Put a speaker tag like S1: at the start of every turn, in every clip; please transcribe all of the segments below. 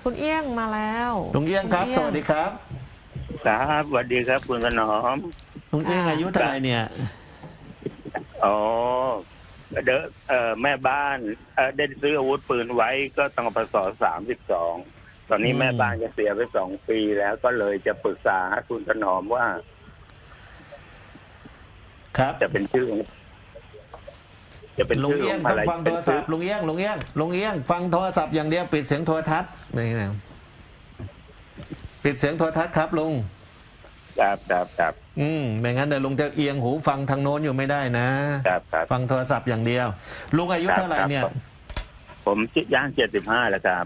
S1: คุณเอี้ยงมาแล้ว
S2: ลุงเอี้ยงครับสวัสดีครับ
S3: ครับสวัสดีครับคุณถนอม
S2: ลุงเอี้ยงอายุเท่าไหร่เนี่ย
S3: อ๋อแม่บ้านได้ซื้ออาวุธปืนไว้ก็ตั้งพศ32ตอนนี้แม่บ้านจะเสียไป2 ปีแล้วก็เลยจะปรึกษาคุณถนอมว่า
S2: ครับ
S3: จะเป็นชื่อ
S2: ลุงเอี้ยงต้องฟังโทรศัพท์ลุงเอี้ยงฟังโทรศัพท์อย่างเดียวปิดเสียงโทรทัศน์นี่นะปิดเสียงโทรทัศน์ครับลุง
S3: ครับ
S2: ไม่งั้นเดี๋ยวลุงจะเอียงหูฟังทางโน้นอยู่ไม่ได้นะครับฟังโทรศัพท์อย่างเดียวลุงอายุเท่าไหร่เนี่ย
S3: ผมย่าง75แล้วครับ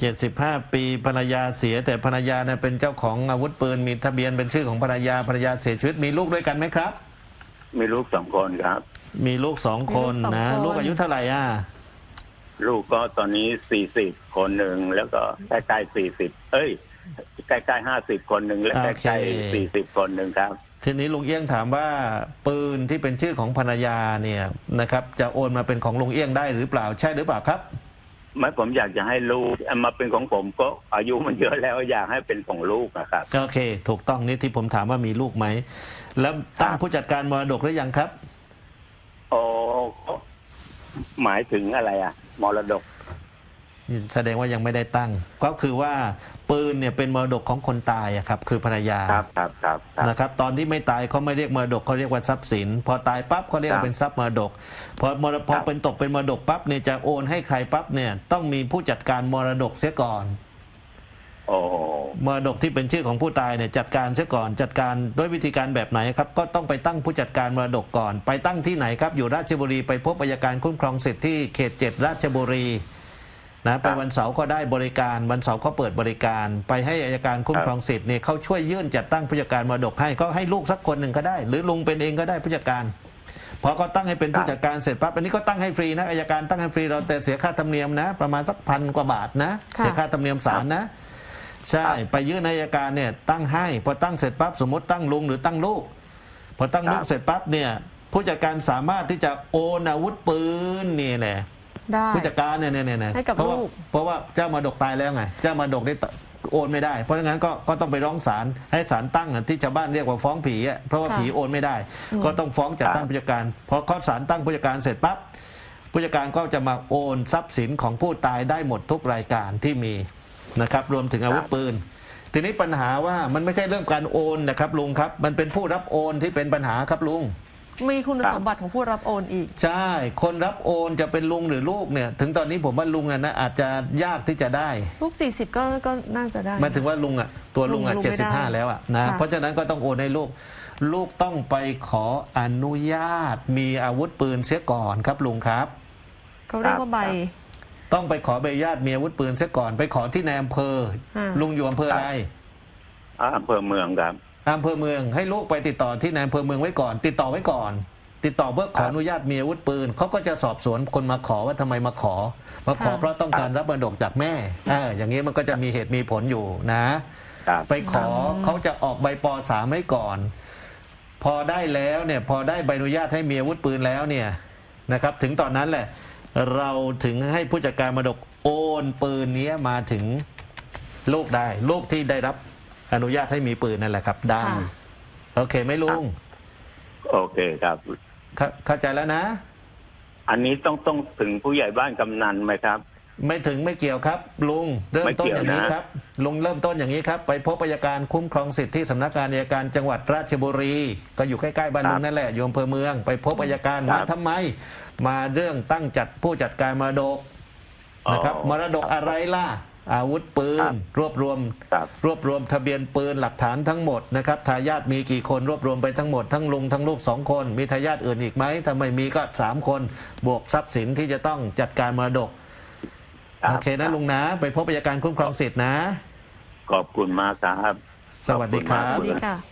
S2: 75 ปีภรรยาเสียแต่ภรรยาเนี่ยเป็นเจ้าของอาวุธปืนมีทะเบียนเป็นชื่อของภรรยาเสียชีวิตมีลูกด้วยกันไหมครับ
S3: มีลูก2 คนครับ
S2: มีลูก2 คนนะลูกอายุเท่าไหร่
S3: ลูกก็ตอนนี้40คนหนึ่งแล้วก็ใกล้ๆ40ใกล้ๆ50คนหนึ่งและใกล้ๆ40คนหนึ่งครับ
S2: ทีนี้ลุงเอี้ยงถามว่าปืนที่เป็นชื่อของภรรยาเนี่ยนะครับจะโอนมาเป็นของลุงเอี้ยงได้หรือเปล่าใช่หรือเปล่าครับ
S3: ไม่ผมอยากจะให้ลูกมาเป็นของผมก็อายุมันเยอะแล้วอยากให้เป็นของลูกนะครับ
S2: โอเคถูกต้องนี่ที่ผมถามว่ามีลูกไหมแล้วตั้งผู้จัดการมรดกหรือยังครับ
S3: โอ้หมายถึงอะไรมรดก
S2: แสดงว่ายังไม่ได้ตั้งก็คือว่าปืนเนี่ยเป็นมรดกของคนตายครับคือภรรยา
S3: ครับ
S2: นะครับตอนที่ไม่ตายเขาไม่เรียกมรดกเขาเรียกว่าทรัพย์สินพอตายปั๊บเขาเรียกเป็นทรัพย์มรดกพอเป็นตกเป็นมรดกปั๊บเนี่ยจะโอนให้ใครปั๊บเนี่ยต้องมีผู้จัดการมรดกเสียก่อนมรดกที่เป็นชื่อของผู้ตายเนี่ยจัดการเสียก่อนจัดการด้วยวิธีการแบบไหนครับก็ต้องไปตั้งผู้จัดการมรดกก่อนไปตั้งที่ไหนครับอยู่ราชบุรีไปพบอัยการคุ้มครองสิทธิ์ที่เขต7ราชบุรีนะไปวันเสาร์ก็ได้บริการวันเสาร์เขาเปิดบริการไปให้อัยการคุ้มครองสิทธิ์เนี่ยเขาช่วยยื่นจัดตั้งผู้จัดการมรดกให้ก็ให้ลูกสักคนหนึ่งก็ได้หรือลุงเป็นเองก็ได้ผู้จัดการพอเขาตั้งให้เป็นผู้จัดการเสร็จปั๊บอันนี้ก็ตั้งให้ฟรีนะอัยการตั้งให้ฟรีเราแต่เสียค่าธรรมเนียมนะประมาณสัก1,000 กว่าบาทนะเสียค่าธรรมเนียมศาลนะใช่ไปยื่นอัยการเนี่ยตั้งให้พอตั้งเสร็จปั๊บสมมติตั้งลุงหรือตั้งลูกพอตั้งลูกเสร็จปั๊บเนี่ยผู้จัดการสามารถที่จะโอนอาวุธปืนนี่แหละผู้จัดการเนี่ยเพราะว่าเจ้ามรดกตายแล้วไงเจ้ามรดกได้โอนไม่ได้เพราะงั้นก็ต้องไปร้องศาลให้ศาลตั้งที่ชาวบ้านเรียกว่าฟ้องผีเพราะว่าผีโอนไม่ได้ก็ต้องฟ้องจัดตั้งผู้จัดการพอศาลตั้งผู้จัดการเสร็จปั๊บผู้จัดการก็จะมาโอนทรัพย์สินของผู้ตายได้หมดทุกรายการที่มีนะครับรวมถึงอาวุธปืนทีนี้ปัญหาว่ามันไม่ใช่เรื่องการโอนนะครับลุงครับมันเป็นผู้รับโอนที่เป็นปัญหาครับลุง
S1: มีคุณสมบัติของผู้รับโอนอีก
S2: ใช่คนรับโอนจะเป็นลุงหรือลูกเนี่ยถึงตอนนี้ผมว่าลุงนะอาจจะยากที่จะได้
S1: ลูก40ก็น่าจะได้
S2: หมายถึงว่าลุงตัวลุง75แล้วนะเพราะฉะนั้นก็ต้องโอนให้ลูกต้องไปขออนุญาตมีอาวุธปืนเสียก่อนครับลุงครับ
S1: เขาเรียกว่าใบ
S2: ต้องไปขอใบอนุญาตมีอาวุธปืนเสียก่อนไปขอที่ในอำเภอลุงอยู่อำเภออะไร
S3: อำเภอเมืองครับ
S2: อำเภอเมืองให้ลูกไปติดต่อที่ในอำเภอเมืองไว้ก่อนติดต่อไว้ก่อนติดต่อเพื่อขออนุญาตมีอาวุธปืนเขาก็จะสอบสวนคนมาขอว่าทำไมมาขอเพราะต้องการรับมรดกจากแม่อย่างนี้มันก็จะมีเหตุมีผลอยู่นะไปขอเขาจะออกใบป.3ให้ก่อนพอได้แล้วเนี่ยพอได้ใบอนุญาตให้มีอาวุธปืนแล้วเนี่ยนะครับถึงตอนนั้นแหละเราถึงให้ผู้จัดการมรดกโอนปืนนี้มาถึงลูกได้ลูกที่ได้รับอนุญาตให้มีปืนนั่นแหละครับได้โอเคไหมลุง
S3: โอเคครับ
S2: เข้าใจแล้วนะ
S3: อันนี้ต้องถึงผู้ใหญ่บ้านกำนันไหมครับ
S2: ไม่ถึงไม่เกี่ยวครับลุงเริ่มต้นอย่างนี้ครับลุงเริ่มต้นอย่างนี้ครับไปพบอัยการคุ้มครองสิทธิที่สำนักงานอัยการจังหวัดราชบุรีก็อยู่ใกล้ๆบ้านลุงนั่นแหละอยู่อำเภอเมืองไปพบอัยการมาทำไมมาเรื่องตั้งจัดผู้จัดการมรดกนะครับมรดกอะไรล่ะอาวุธปืนรวบรวมทะเบียนปืนหลักฐานทั้งหมดนะครับทายาทมีกี่คนรวบรวมไปทั้งหมดทั้งลุงทั้งลูก2 คนมีทายาทอื่นอีกไหมถ้าไม่มีก็3 คนบวกทรัพย์สินที่จะต้องจัดการมรดกโอเคนะลุงนะไปพบอัยการคุ้มครองสิทธินะ
S3: ขอบคุณมากครับ
S2: สวัสดีครับ